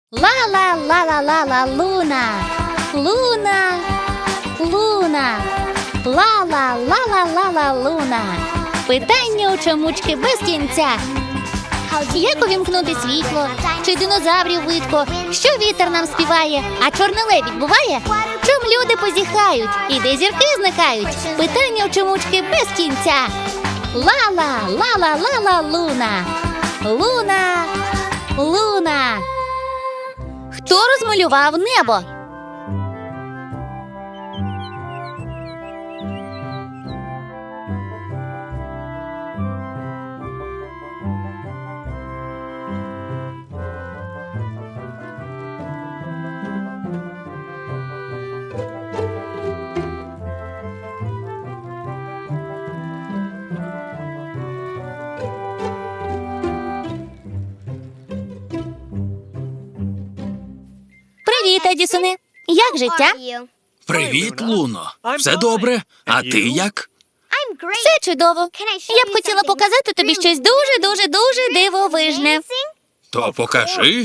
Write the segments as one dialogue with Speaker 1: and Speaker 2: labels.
Speaker 1: Ла-ла-ла-ла-ла-ла, луна, луна, луна, ла-ла-ла-ла-ла-ла, луна. Питання у чомучки без кінця. Як увімкнути світло? Чи динозаврів видко? Що вітер нам співає? А чорний лебідь буває? Чом люди позіхають? І де зірки зникають? Питання у чомучки без кінця. Ла-ла, ла-ла-ла-ла, луна, луна, луна. Хто розмалював небо? Привіт, Едісоне. Як життя?
Speaker 2: Привіт, Луно. Все добре? А ти як?
Speaker 1: Все чудово. Я б хотіла показати тобі щось дуже дивовижне.
Speaker 2: То покажи.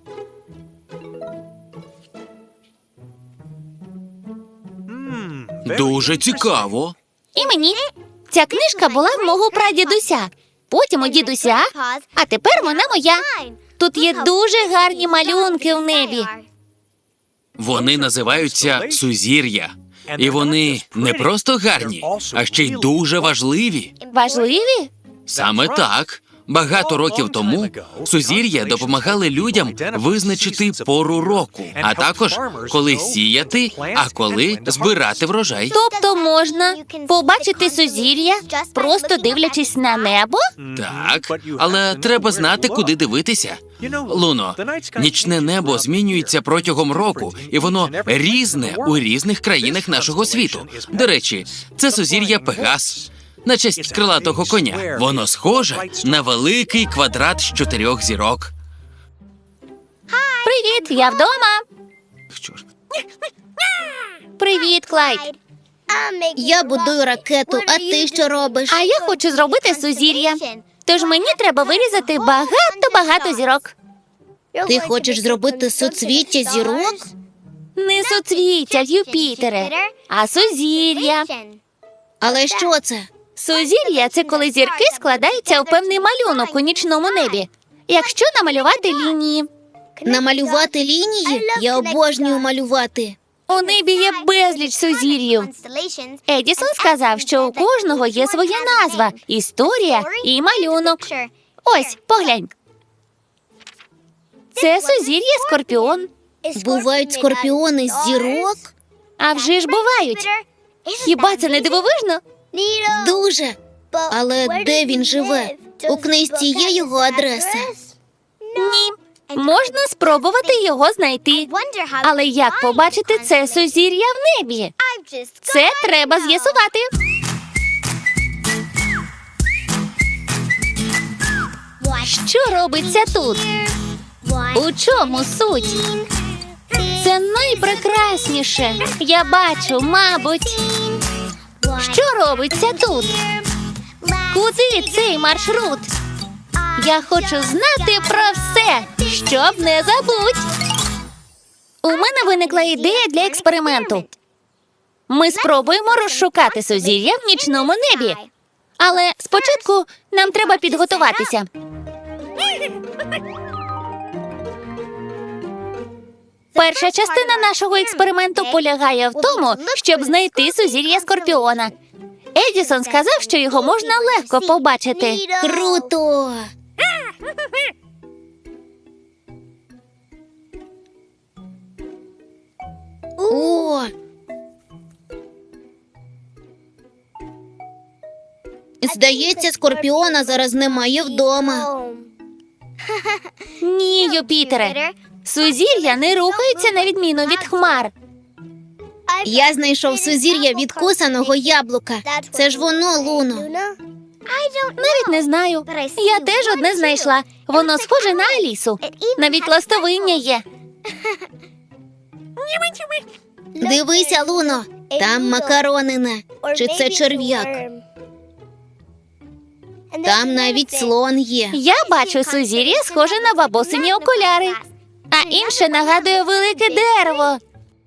Speaker 2: Дуже цікаво.
Speaker 1: І мені. Ця книжка була в мого прадідуся, потім у дідуся, а тепер вона моя. Тут є дуже гарні малюнки в небі.
Speaker 2: Вони називаються сузір'я. І вони не просто гарні, а ще й дуже важливі.
Speaker 1: Важливі?
Speaker 2: Саме так. Багато років тому сузір'я допомагали людям визначити пору року, а також коли сіяти, а коли збирати врожай.
Speaker 1: Тобто можна побачити сузір'я, просто дивлячись на небо?
Speaker 2: Так, але треба знати, куди дивитися. Луно, нічне небо змінюється протягом року, і воно різне у різних країнах нашого світу. До речі, це сузір'я Пегас. На честь крилатого коня. Воно схоже на великий квадрат з 4 зірок.
Speaker 1: Привіт, я вдома.
Speaker 2: Чорт.
Speaker 1: Привіт, Клайд.
Speaker 3: Я будую ракету, а ти що робиш?
Speaker 1: А я хочу зробити сузір'я. Тож мені треба вирізати багато зірок.
Speaker 3: Ти хочеш зробити суцвіття зірок?
Speaker 1: Не суцвіття, Юпітере, а сузір'я.
Speaker 3: Але що це?
Speaker 1: Сузір'я – це коли зірки складаються у певний малюнок у нічному небі. Якщо намалювати лінії.
Speaker 3: Намалювати лінії? Я обожнюю малювати.
Speaker 1: У небі є безліч сузір'їв. Едісон сказав, що у кожного є своя назва, історія і малюнок. Ось, поглянь. Це сузір'я Скорпіон.
Speaker 3: Бувають скорпіони з зірок?
Speaker 1: А вже ж бувають. Хіба це не дивовижно?
Speaker 3: Дуже. Але де він живе? У книжці є його адреса?
Speaker 1: Ні. Можна спробувати його знайти. Але як побачити це сузір'я в небі? Це треба з'ясувати. Що робиться тут? У чому суть? Це найпрекрасніше. Я бачу, мабуть. Що робиться тут? Куди цей маршрут? Я хочу знати про все, щоб не забудь. У мене виникла ідея для експерименту. Ми спробуємо розшукати сузір'я в нічному небі. Але спочатку нам треба підготуватися. Перша частина нашого експерименту полягає в тому, щоб знайти сузір'я Скорпіона. Едісон сказав, що його можна легко побачити.
Speaker 3: Круто! О! Здається, Скорпіона зараз немає вдома.
Speaker 1: Ні, Юпітере. Сузір'я не рухаються на відміну від хмар.
Speaker 3: Я знайшов сузір'я відкусаного яблука. Це ж воно, Луно.
Speaker 1: Навіть не знаю. Я теж одне знайшла. Воно схоже на Алісу. Навіть ластовиння є.
Speaker 3: Дивися, Луно, там макаронина. Чи це черв'як? Там навіть слон є.
Speaker 1: Я бачу сузір'я, схоже на бабусині окуляри. а інше нагадує велике дерево.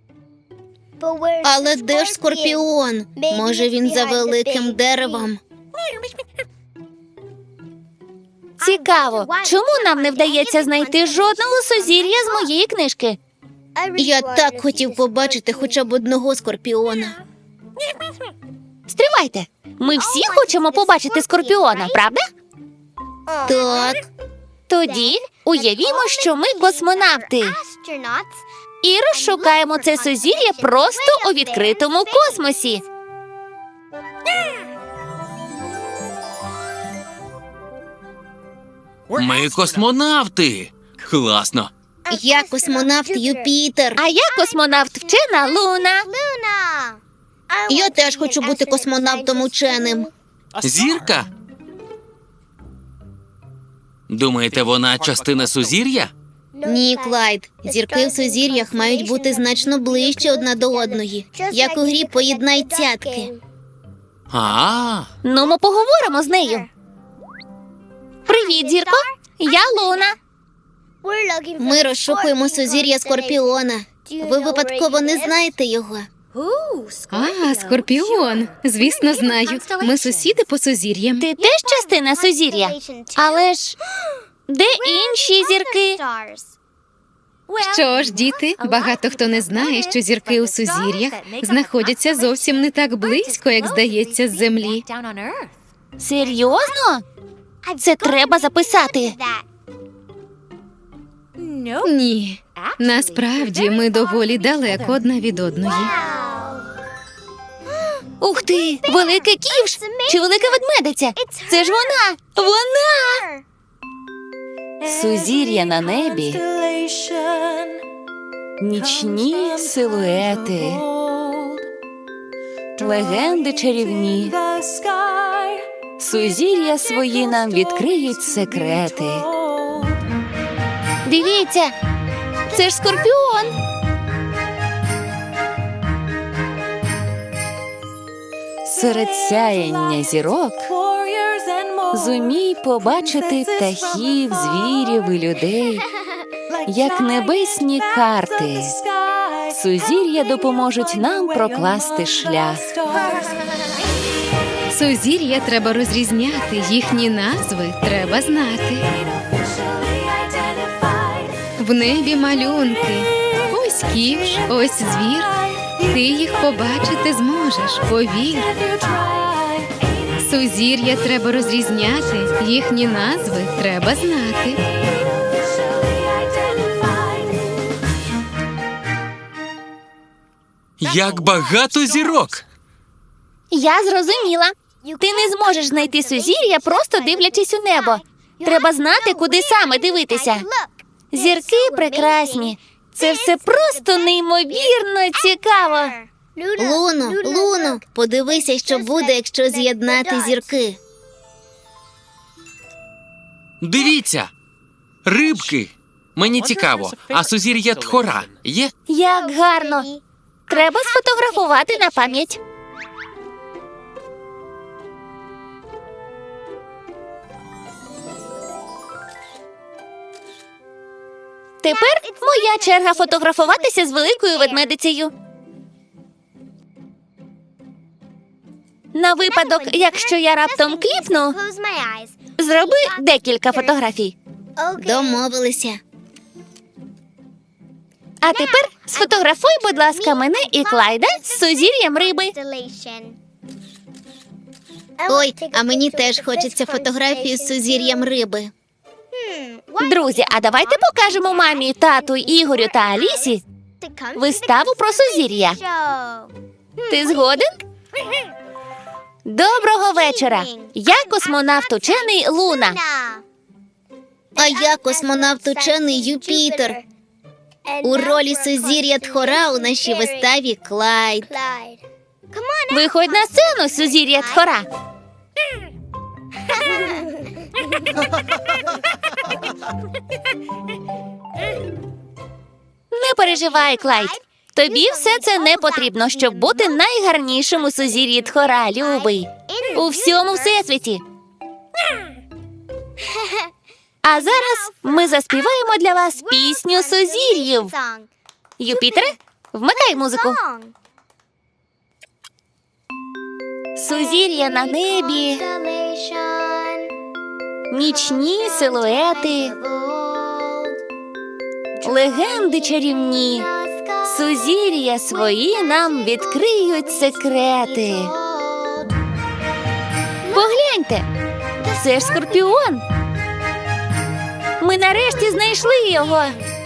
Speaker 3: Але де ж Скорпіон? Може, він за великим деревом?
Speaker 1: Цікаво, чому нам не вдається знайти жодного сузір'я з моєї книжки?
Speaker 3: Я так хотів побачити хоча б одного Скорпіона.
Speaker 1: Стривайте, ми всі хочемо побачити Скорпіона, правда?
Speaker 3: Так,
Speaker 1: Тоді уявімо, що ми космонавти і розшукаємо це сузір'я просто у відкритому космосі.
Speaker 2: Ми космонавти. Класно.
Speaker 3: я космонавт Юпітер.
Speaker 1: А я космонавт вчена Луна.
Speaker 3: Я теж хочу бути космонавтом ученим.
Speaker 2: Зірка? Думаєте, вона частина сузір'я?
Speaker 3: Ні, Клайд. Зірки в сузір'ях мають бути значно ближче одна до одної, як у грі «Поєднай цятки».
Speaker 2: А,
Speaker 1: Ну, ми поговоримо з нею. Привіт, зірко. Я Луна.
Speaker 3: Ми розшукуємо сузір'я Скорпіона. Ви випадково не знаєте його?
Speaker 4: А, Скорпіон. Звісно, знаю. Ми сусіди по сузір'ям.
Speaker 1: Ти теж частина сузір'я? Але ж де інші зірки?
Speaker 4: Що ж, діти, багато хто не знає, що зірки у сузір'ях знаходяться зовсім не так близько, як здається, з землі.
Speaker 1: Серйозно? Це треба записати.
Speaker 4: Ні. Насправді, ми доволі далеко одна від одної.
Speaker 1: Ух ти, велика ківш чи велика ведмедиця? Це ж вона! Вона! Сузір'я на небі, нічні силуети, легенди чарівні. Сузір'я свої нам відкриють секрети. Дивіться, це ж Скорпіон. Серед сяєння зірок зумій побачити птахів, звірів і людей, як небесні карти. Сузір'я допоможуть нам прокласти шлях.
Speaker 4: Сузір'я треба розрізняти, їхні назви треба знати. В небі малюнки. Ось ківш, ось звір. Ти їх побачити зможеш, повір. Сузір'я треба розрізняти, їхні назви треба знати.
Speaker 2: як багато зірок!
Speaker 1: Я зрозуміла. Ти не зможеш знайти сузір'я, просто дивлячись у небо. Треба знати, куди саме дивитися. Зірки прекрасні. Це все просто неймовірно цікаво.
Speaker 3: Луно, подивися, що буде, якщо з'єднати зірки.
Speaker 2: Дивіться! Рибки! Мені цікаво, а сузір'я Тхора є?
Speaker 1: Як гарно. Треба сфотографувати на пам'ять. Тепер моя черга фотографуватися з великою ведмедицею. На випадок, якщо я раптом кліпну, зроби декілька фотографій.
Speaker 3: Домовилися.
Speaker 1: А тепер сфотографуй, будь ласка, мене і Клайда з сузір'ям риби.
Speaker 3: Ой, а мені теж хочеться фотографії з сузір'ям риби.
Speaker 1: Друзі, а давайте покажемо мамі, тату, Ігорю та Алісі виставу про сузір'я. Ти згоден? Доброго вечора. Я космонавт учений Луна.
Speaker 3: А я космонавт учений Юпітер. У ролі сузір'я Тхора у нашій виставі Клайд.
Speaker 1: Виходь на сцену, сузір'я Тхора. Не переживай, Клайд. Тобі все це не потрібно, щоб бути найгарнішим у сузір'ї Тхора, любий. У всьому всесвіті. А зараз ми заспіваємо для вас пісню сузір'їв. Юпітере, вмикай музику. Сузір'я на небі, нічні силуети, легенди чарівні, сузір'я свої нам відкриють секрети. Погляньте, це ж Скорпіон. Ми нарешті знайшли його.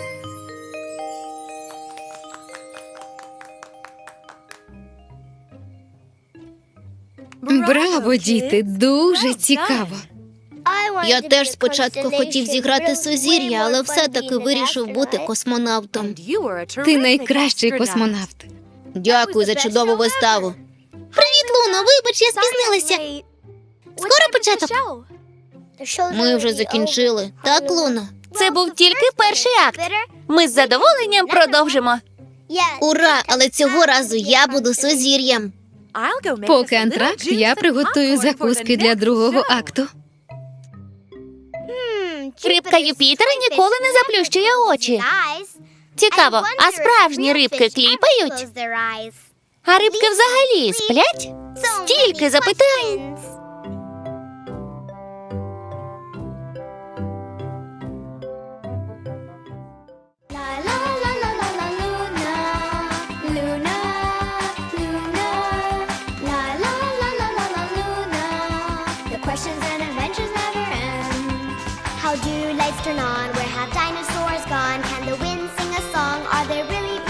Speaker 4: Браво, діти, дуже цікаво.
Speaker 3: Я теж спочатку хотів зіграти сузір'я, але все-таки вирішив бути космонавтом.
Speaker 4: Ти найкращий космонавт.
Speaker 3: Дякую за чудову виставу. Привіт, Луно, вибач, я спізнилася. Скоро початок? Ми вже закінчили. Так, Луно?
Speaker 1: Це був тільки перший акт. Ми з задоволенням продовжимо.
Speaker 3: Ура! Але цього разу я буду сузір'ям.
Speaker 4: Поки антракт, я приготую закуски для другого акту.
Speaker 1: Рибка Юпітера ніколи не заплющує очі. Цікаво, а справжні рибки кліпають? А рибки взагалі сплять? Стільки запитань.
Speaker 5: Questions and adventures never end. How do lights turn on? Where have dinosaurs gone? Can the wind sing a song? Are there really